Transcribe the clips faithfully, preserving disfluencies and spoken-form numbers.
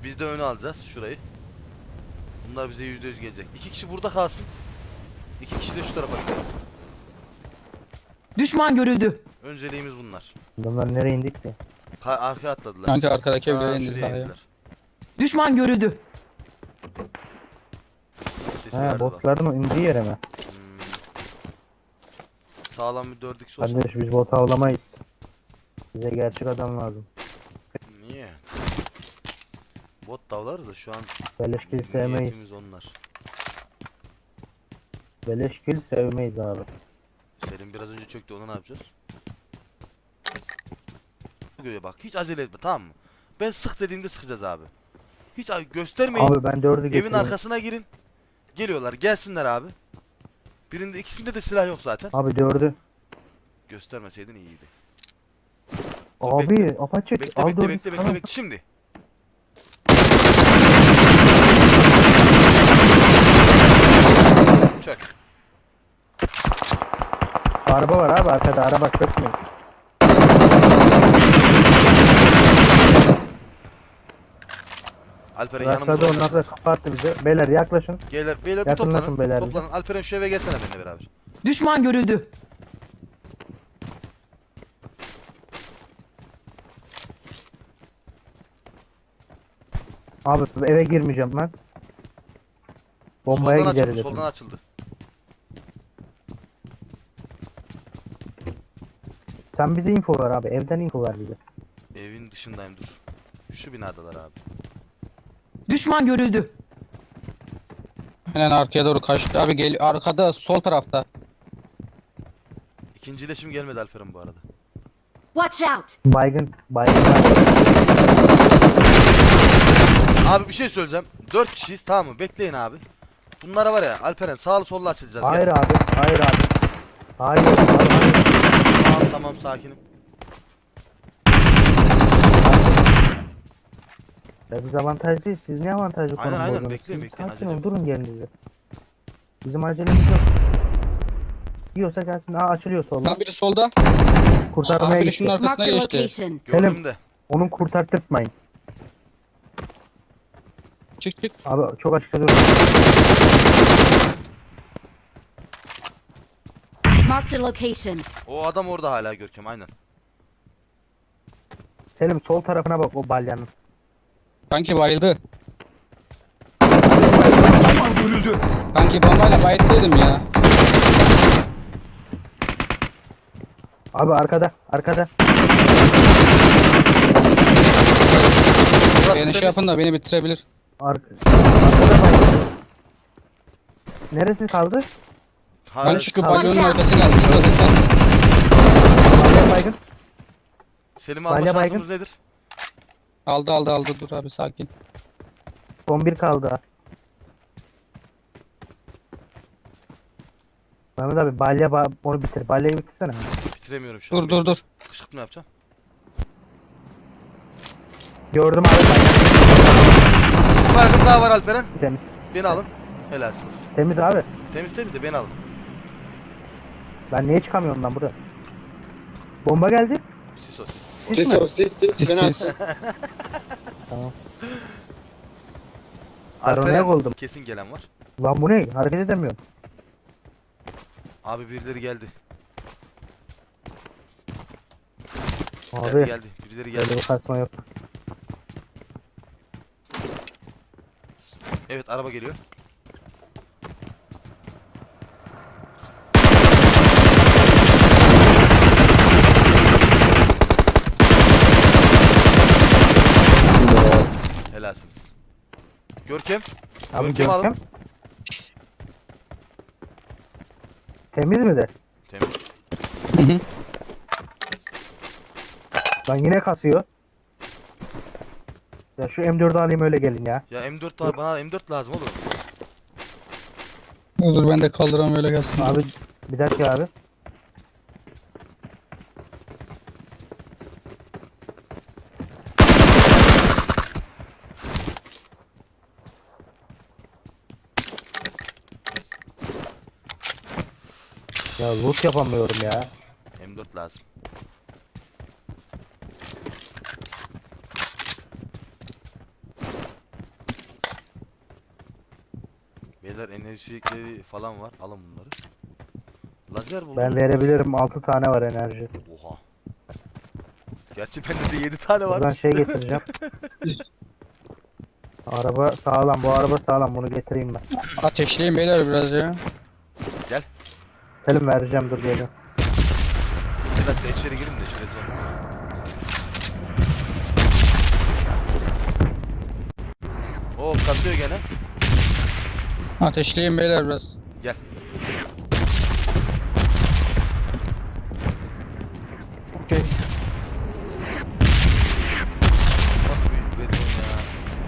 Biz de öne alacağız şurayı. Bunlar bize yüzde yüz gelecek. İki kişi burada kalsın. İki kişi de şu tarafa gidelim. Düşman görüldü. Önceliğimiz bunlar. Bunlar nereye indik ki? Ka arkaya atladılar. Kanka arkadaki Aa, evlere indi şuraya daha ya. indiler. Düşman görüldü. Sesi He verdi bak. botların indiği yere mi? Hmm. Sağlam bir dört x olsun. Kardeş biz bot avlamayız. Bize gerçek adam lazım. Niye? Bot davlarız da şu an Beleş kill niyetimiz sevmeyiz. onlar. Beleş kill sevmeyiz abi. Selim biraz önce çöktü, onu ne yapacağız? Göre bak, hiç acele etme, tamam mı? Ben sık dediğimde sıkacağız abi. Hiç a- göstermeyin. Abi ben dördü Evin getirdim. arkasına girin. Geliyorlar, gelsinler abi. Birinde ikisinde de silah yok zaten. Abi dördü. Göstermeseydin iyiydi. Abi bekle. apaçık. Bekle Al bekle dördü bekle bekle sıkalım. bekle şimdi. Çök. Araba var abi arkada, araba çökmüyor. Alperen Raşladı yanımıza onlar da kapattı bize. Beyler yaklaşın. Geyler, beyler bir Yakınlaşın toplanın. beyler Toplanın. Alperen şu eve gelsene benimle beraber. Düşman görüldü. Abi eve girmeyeceğim ben. Bombaya Soldan gideriz. açıldı, hepimiz. soldan açıldı. Sen bize info ver abi. Evden info ver bize. Evin dışındayım, dur. Şu binadalar abi. Düşman görüldü. Aynen arkaya doğru kaçtı. Abi gel arkada sol tarafta. İkinci iletişim gelmedi Alperen bu arada. Watch out! Baygın. Baygın. Abi bir şey söyleyeceğim. Dört kişiyiz, tamam mı? Bekleyin abi. Bunlara var ya Alperen, sağlı sollu açılacağız. Hayır Gel. abi. Hayır abi. Hayır. Hayır. Tamam tamam, sakinim. Ya biz avantajlıyız. Siz niye avantajlı Aynen, konum aynen. bozdunuz? Bekleyin, Siz bekleyin, sakin acele olun, durun yerinize. Bizim acelemiz yok. Yiyorsa gelsin. Aa açılıyor solda. Lan biri solda. Kurtarmaya Abi biri şunun gitti. arkasına Marked a geçti. location. Gördüm Selim. de. Onu kurtartırtmayın. Çık çık. Abi çok açıkta durun. Marked a location. O adam orada hala Görkem, aynen. Selim sol tarafına bak o balyanın. Kanki bayıldı. Düşman görüldü. Kanki bombayla bayılttıydım ya. Abi arkada. Arkada. Burası Beni şey temiz. yapın da beni bitirebilir. Ar arkada baygın. Neresi kaldı? Hala Ben çünkü Watch balyonun out. arkası geldi. Şurası sen. Balya baygın. Selim alma Balya şansımız nedir? Aldı aldı aldı dur abi sakin. Son bir kaldı. ha. Mehmet abi balya ba onu bitir. Balyayı bitirsene. Bitiremiyorum şu an. Dur dur dur. Kışkırtma yapacağım. Gördüm abi balya. Bir baygın daha var Alperen. Temiz. Beni alın. Helalsiniz. Temiz abi. Temiz temiz de beni alın. Ben niye çıkamıyorum lan buraya? Bomba geldi. Sisos. Sis Sis mi? o sis sis ben Sis. Tamam. Alperen Paranoyak oldum. kesin gelen var. Lan bu ne? Hareket edemiyorum. Abi birileri geldi. Abi Geldi geldi. Birileri geldi. böyle bir kasma yok. Evet, araba geliyor. Helalsiniz. Görkem. Abi Görkem alın. Görkem. Temiz mi de? Temiz. Hı hı. Lan yine kasıyor. Ya şu M dördü alayım öyle gelin ya. Ya M dört var, bana M dört lazım oğlum. Olur ben de kaldıram öyle gelsin. Abi bir dakika abi. Ya loot yapamıyorum ya. M dört lazım. Beyler enerjilikleri falan var. Alın bunları. Lazer buldum. Ben verebilirim. altı tane var enerji. Oha. Gerçi bende de yedi tane var. Buradan şey getireceğim. Araba sağlam. Bu araba sağlam. Bunu getireyim ben. Ateşleyin beyler biraz ya. Selim vereceğim, dur geliyorum. Bir dakika içeri girin de içeri zorlamayız. Oo kasıyor gene. Ateşleyin beyler biraz. Gel. Okey. Nasıl bir beton ya.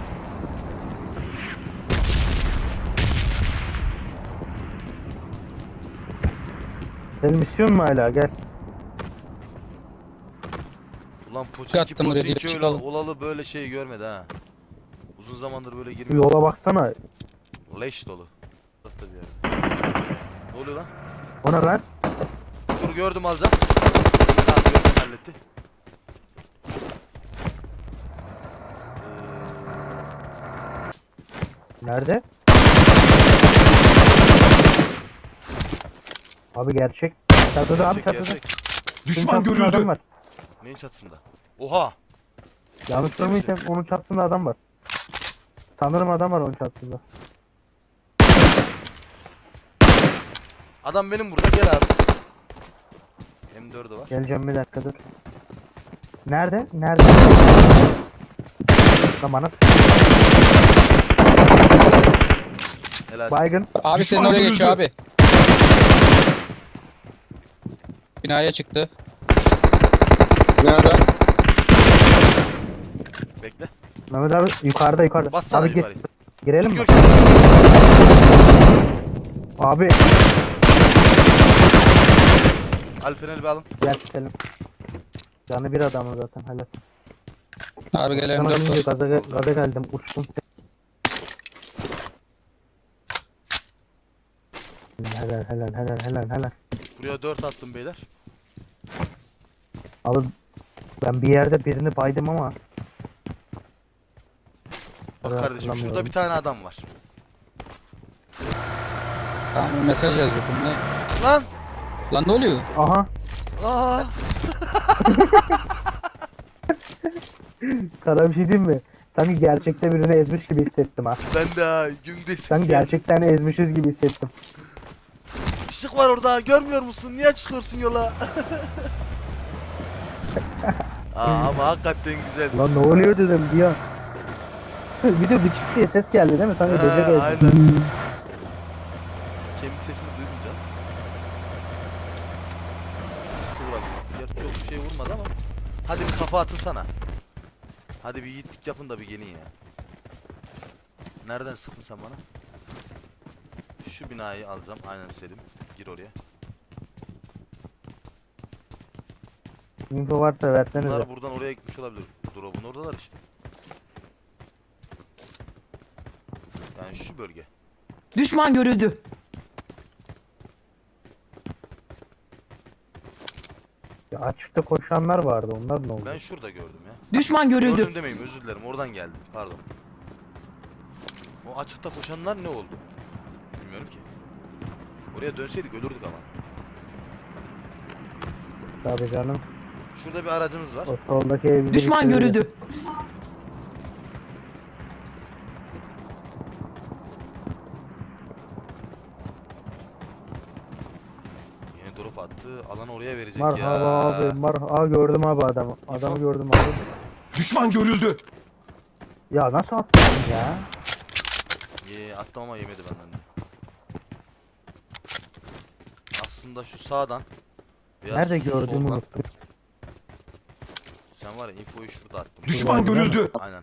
Selim istiyor mu hala? Gel. Ulan Poçinki Attım buraya, Poçinki öyle çıkalım. olalı böyle şey görmedi ha. Uzun zamandır böyle Bir girmiyor. yola baksana. Leş dolu. Tarafta bir yerde. Ne oluyor lan? Ona ver. Dur gördüm alacağım. Tamam gördüm halletti. Nerede? Abi gerçek. Çatıda abi Gerçek, çatıda. gerçek. Düşman Çatısında adam görüldü. var. Neyin çatısında? Oha! Yanlış Ciddi misin? görmüyorsam onun çatısında adam var. Sanırım adam var onun çatısında. Adam benim burada gel abi. M dördü var. Geleceğim bir dakika dur. Nerede? Nerede? Lan bana sık- Helal. Baygın. Abi Düşman senin oraya görüldü. geçiyor abi. Binaya çıktı. Nerede? Bekle. Mehmet abi yukarıda yukarıda. Bassana abi gir. yukarı. Girelim mi? Gör. Abi Alperen'i bir alın. gel Selim. Canı bir adamı zaten helal. Abi gel Sana M dört deyince var. gaza, gaza geldim uçtum. Helal helal helal helal helal. Buraya dört attım beyler. Abi ben bir yerde birini baydım ama Bak Evet, kardeşim şurada hatırlamıyorum. bir tane adam var. Tamam mesaj yazıyordum. Ne? Lan! Lan ne oluyor? aha Aa! sana bir şey diyeyim mi? Sanki gerçekte birini ezmiş gibi hissettim ha. Ben de ha gümde Sanki gerçekten ezmişiz gibi hissettim. Işık var orada görmüyor musun? Niye çıkıyorsun yola? Aa, ama hakikaten güzel. Lan ne oluyor dedim bir an. Bir de bıçık diye ses geldi değil mi? Sanki Ha, böcek ezdi. aynen. Kemik sesini duyunca. Vuralım. Gerçi çok bir şey vurmadı ama. Hadi bir kafa atın sana. Hadi bir yiğitlik yapın da bir gelin ya. Nereden sıktın sen bana? Şu binayı alacağım. Aynen Selim. Gir oraya. Info varsa versenize. Bunlar buradan oraya gitmiş olabilir. Drop'un oradalar işte. Yani şu bölge. Düşman görüldü. Ya açıkta koşanlar vardı, onlar ne oldu? Ben şurada gördüm ya. Düşman görüldü. Gördüm demeyeyim, özür dilerim, oradan geldi, pardon. O açıkta koşanlar ne oldu? Bilmiyorum ki. Oraya dönseydik ölürdük ama. Tabii canım. Şurada bir aracımız var. O soldaki ev bizi Düşman bitirdi. görüldü. Yeni drop attı, alan oraya verecek Merhaba ya. abi, merhaba. Aa, gördüm abi adamı. Adamı İnfo. gördüm abi. Düşman görüldü. Ya nasıl attın ya? Ye, attım ama yemedi benden de. Aslında şu sağdan veya Nerede gördüğümü soldan- unuttum. Sen var ya infoyu şurada attım. Düşman görüldü. Aynen.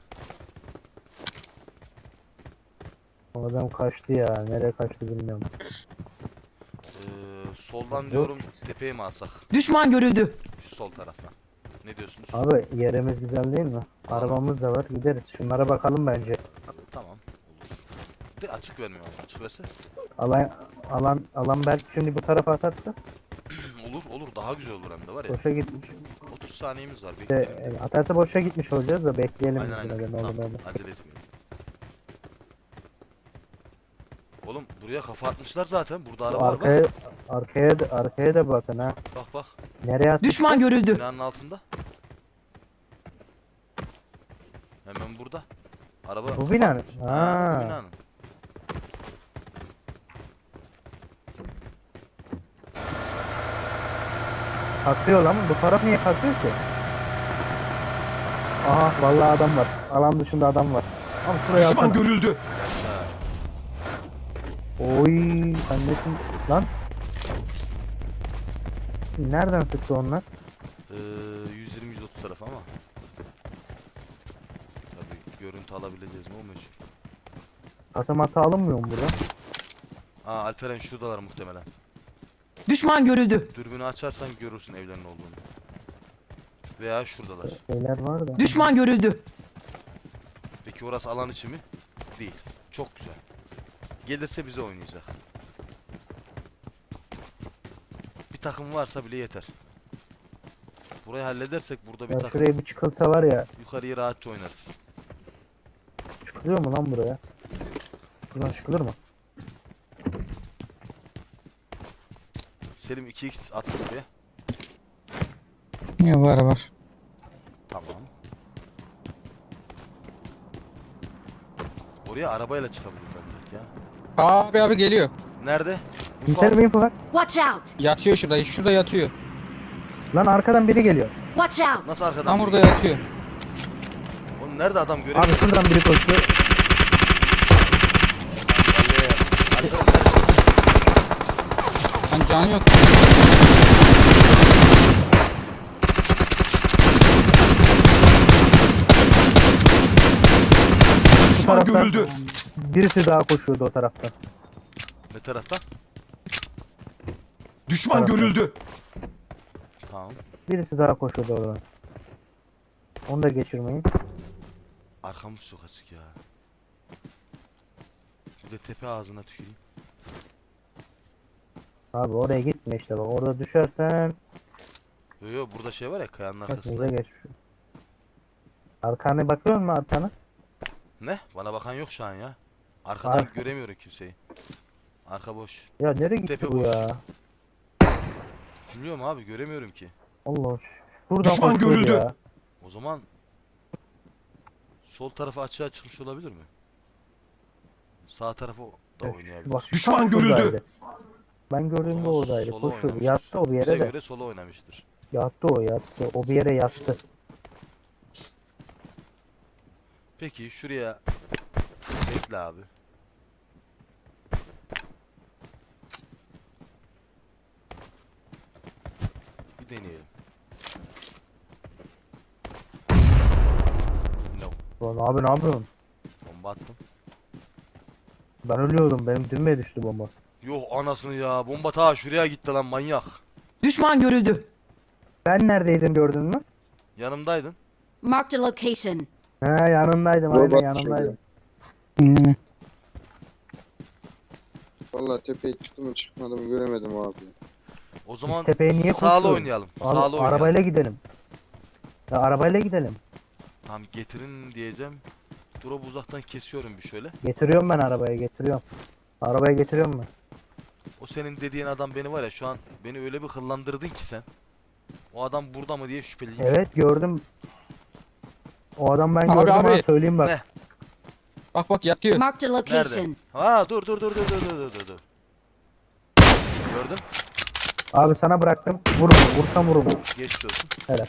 O adam kaçtı ya. Nereye kaçtı bilmiyorum. Ee, soldan Yok. diyorum tepeye mi alsak? Düşman görüldü. Şu sol taraftan. Ne diyorsunuz? Abi yerimiz güzel değil mi? Arabamız da var, gideriz. Şunlara bakalım bence. Tamam. Olur. De açık vermiyor ama açık verse. Alan alan alan belki şimdi bu tarafa atarsa olur olur daha güzel olur hem de var ya. boşa gitmiş. otuz saniyemiz var İşte, bekleyelim. e, atarsa boşa gitmiş olacağız da bekleyelim. Aynen biz yine aynen. de, ne olur Tamam, ne olur. acele etmeyelim. Oğlum Oğlum buraya kafa atmışlar zaten. Burada araba var Arkaya, bak. arkaya, da, arkaya da bakın ha. Bak bak. Nereye attı? Düşman görüldü. Binanın altında. Hemen burada. Araba. Bu binanın. Ha, Ha. bu binanın. Kasıyor lan. Bu taraf niye kasıyor ki? Aha vallahi adam var. Alan dışında adam var. Ama şuraya Düşman atsana. görüldü. Yaşa. Oy sen nesin? Lan. Nereden sıktı onlar? Ee, yüz yirmi yüz otuz taraf ama. Tabii görüntü alabileceğiz mi o meçhul. Katı matı alınmıyor mu burada? Aa Alperen şuradalar muhtemelen. Düşman görüldü. Dürbünü açarsan görürsün evlerin olduğunu. Veya şuradalar. Şeyler var da. Düşman görüldü. Peki orası alan içi mi? Değil. Çok güzel. Gelirse bize oynayacak. Bir takım varsa bile yeter. Burayı halledersek burada bir Ya takım şuraya bir çıkılsa var ya. yukarıyı rahatça oynarız. Çıkılıyor mu lan buraya? Buradan çıkılır mı? Selim iki x attı buraya. Niye var var. Tamam. Oraya arabayla çıkabiliriz ancak ya. Abi abi geliyor. Nerede? İnfo Kimsel al. bir info var. Watch out! Yatıyor şurada. Şurada yatıyor. Lan arkadan biri geliyor. Watch out! Nasıl arkadan? Tam biri burada geliyor? yatıyor. Oğlum nerede adam göremiyor? Abi şuradan biri koşuyor. Lan canı yok. Şu Düşman taraftan görüldü. birisi daha koşuyordu o taraftan. Ne taraftan? Düşman Tarafta. görüldü. Tamam. Birisi daha koşuyordu oradan. Onu da geçirmeyin. Arkamız çok açık ya. Bir de tepe ağzına tüküreyim. Abi oraya gitme işte bak. Orada düşersen Yo yo burada şey var ya kayanın başımıza arkasında. geçmiş. Arkana bakıyor musun arkana? Ne? Bana bakan yok şu an ya. Arkadan Arka. göremiyorum kimseyi. Arka boş. Ya nereye gitti Tepe bu boş. ya? Bilmiyorum abi göremiyorum ki. Allah şuradan Düşman koşuyordu görüldü. ya. O zaman sol tarafı açığa çıkmış olabilir mi? Sağ tarafı da Ya şu- oynayabilir. Bak, şu Düşman tam görüldü. şuradaydı. Ben O gördüğümde zaman oradaydı. sola Koşuyordu. oynamıştır. Yattı o bir Bize yere de. göre sola oynamıştır. Yattı o yattı. O bir yere yattı. Peki şuraya bekle abi. Bir deneyelim. No. Lan abi ne yapıyorsun? Bomba attım. Ben ölüyordum. Benim düğmeye düştü bomba. Yuh anasını ya. Bomba ta şuraya gitti lan manyak. Düşman görüldü. Ben neredeydim gördün mü? Yanımdaydın. Marked a location. He yanındaydım. Aynen Robot yanındaydım. Hmm. Vallahi tepeye çıktı mı çıkmadı mı göremedim abi. O zaman tepeye niye sağlı koşuyoruz? oynayalım. Abi, Sağlı oynayalım. arabayla gidelim. Ya arabayla gidelim. Tamam getirin diyeceğim. Drop'u uzaktan kesiyorum bir şöyle. Getiriyorum ben arabaya getiriyorum. Arabaya getiriyorum ben. O senin dediğin adam beni var ya şu an beni öyle bir hıllandırdın ki sen. O adam burada mı diye şüpheliyim. Evet gördüm. O adam ben Abi, gördüm abi. ha söyleyeyim bak. Ne? Bak bak yatıyor. Marked a Nerede? location. Ha dur dur dur dur dur dur dur dur. Gördün? Abi sana bıraktım. Vur onu. Vursam vur onu. Geçmiş olsun. Helal.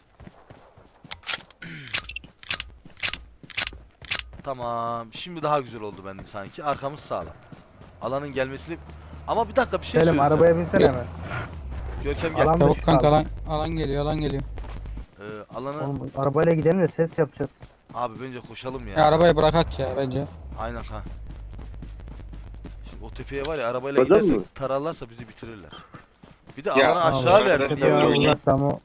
Tamam. Şimdi daha güzel oldu bende sanki. Arkamız sağlam. Alanın gelmesini... Ama bir dakika bir şey Selim söyleyeceğim. arabaya binsene hemen. Görkem gel. Alan Çabuk dışı kanka kaldı. alan, alan geliyor alan geliyor. Ee, alanı... Oğlum, arabayla gidelim de ses yapacağız. Abi bence koşalım ya. Ya arabayı bırakak ya bence. Aynen ha. Şimdi o tepeye var ya arabayla Hocam gidersek mı? tararlarsa bizi bitirirler. Bir de Ya, alanı Tamam, aşağı abi, verdin. tepeye Niye öyle oynayayım. oldu? Vurursam o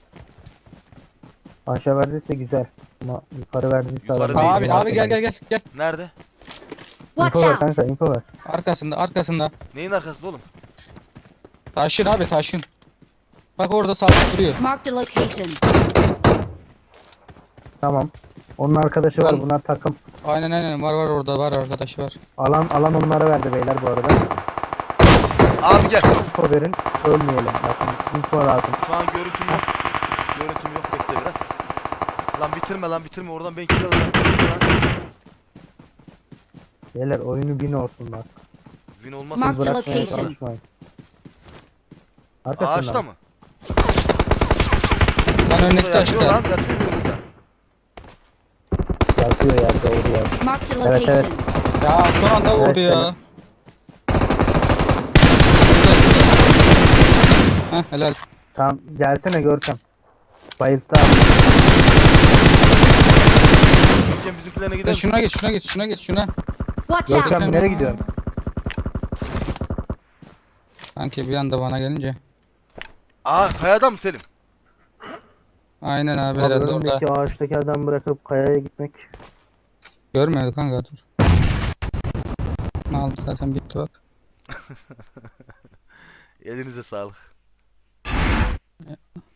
aşağı verdiyse güzel. Ama yukarı verdiyse Yukarı adam- değil, Abi abi gel gel gel gel. Nerede? Watch İnfo ver out! kanka info ver. Arkasında arkasında. Neyin arkasında oğlum? Taşın abi taşın. Bak orada sabit duruyor. Marked a location. Tamam. Onun arkadaşı var. Oğlum. Bunlar takım. Aynen aynen var var orada var arkadaşı var. Alan alan onlara verdi beyler bu arada. Abi gel. Info verin. Ölmeyelim. Bakın info lazım. Şu an görüntüm yok. Görüntüm yok, bekle biraz. Lan bitirme lan bitirme, oradan ben kill alacağım. Beyler oyunu bin olsun bak. Win olmazsa Mark the Bırakmaya location. çalışmayın. Arkasından. ağaçta mı? Lan önündeki Burada yatıyor lan, taşta. yatıyor burada. Yatıyor ya doğru ya. Marked a Evet, evet. location. Ya son anda Evet, vurdu ya. selam. Heh helal. Tamam gelsene Görkem. Bayıldı abi. Görkem bizimkilerine Sen gider misin? şuna geç şuna geç şuna geç şuna. Watch Görkem out. nereye gidiyorsun? Sanki bir anda bana gelince. Aa kayada mı Selim? Aynen abi Abi herhalde orada. önündeki ağaçtaki adam bırakıp kayaya gitmek. Görmüyordu kanka dur. Ne aldı zaten bitti bak. Elinize sağlık.